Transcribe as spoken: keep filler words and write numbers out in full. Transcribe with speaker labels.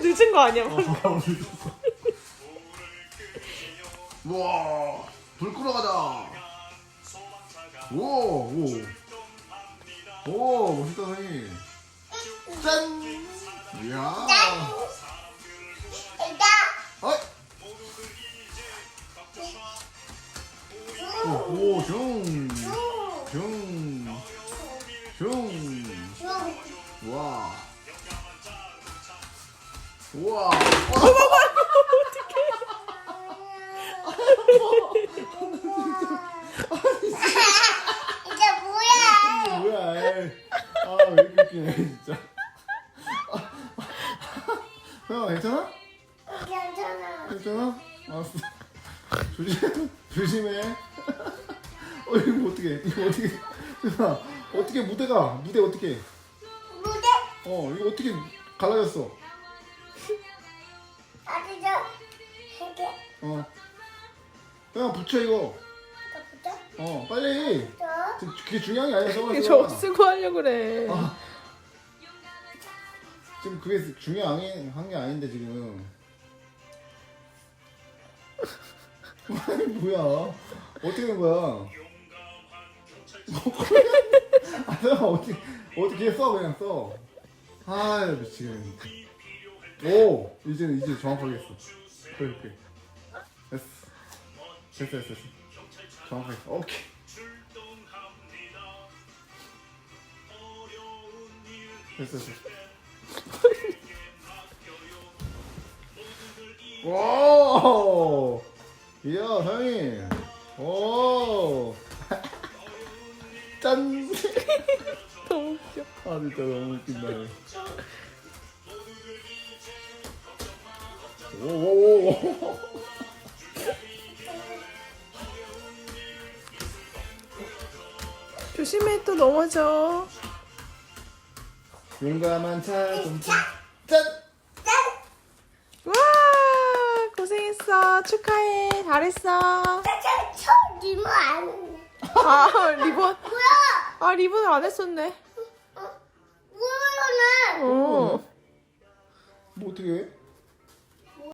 Speaker 1: 늦은 거 아니야?
Speaker 2: 어, 바로 늦었어. 우와, 불 끄러 가자. 오, 오. 오, 멋있다, 선이. 짠! 이야. 어이. 오, 오, 슝. 슝. 슝. 우와. 우와.
Speaker 3: 이게 뭐야?
Speaker 2: 뭐야, 에이. 아, 왜 이렇게 웃기네, 진짜. 형, 괜찮아?
Speaker 3: 괜찮아.
Speaker 2: 괜찮아? 알았어. 조심, 조심해. 어, 이거 어떻게, 이거 어떻게, 야, 어떻게 무대가, 무대 어떻게,
Speaker 3: 무대?
Speaker 2: 어, 이거 어떻게 갈라졌어?
Speaker 3: 아주 저 이게
Speaker 2: 어. 그냥 붙여, 이거.
Speaker 3: 붙어?
Speaker 2: 어, 빨리.
Speaker 3: 저
Speaker 2: 그게 중요한 게 아니야,
Speaker 1: 이게
Speaker 2: 서울에서.
Speaker 1: 저 쓰고 하려고 그래.
Speaker 2: 아. 지금 그게 중요한 게 아닌데, 지금. 아니, 뭐야. 어떻게 된 거야? 아, 내가 어떻게, 어떻게 써, 그냥 써. 아, 미치겠네. 오! 이제는, 이제 정확하게 했어. 그렇게. 됐어. 됐어, 됐어, 됐어. 정확하게 했어. 오케이. 됐어, 됐어. 오! 이야, 사장님. 오! 짠!
Speaker 1: 너무 웃겨.
Speaker 2: 아, 진짜 너무 웃긴다. 오오오.
Speaker 1: 조심해, 또 넘어져.
Speaker 2: 용감한 자동차. 짠!
Speaker 1: 와, 고생했어. 축하해. 잘했어.
Speaker 3: 저 리모 안
Speaker 1: 아, 리본.
Speaker 3: 뭐야?
Speaker 1: 아, 리본을 안 했었네.
Speaker 3: 뭐야?
Speaker 1: 어.
Speaker 2: 뭐 어떻게 해?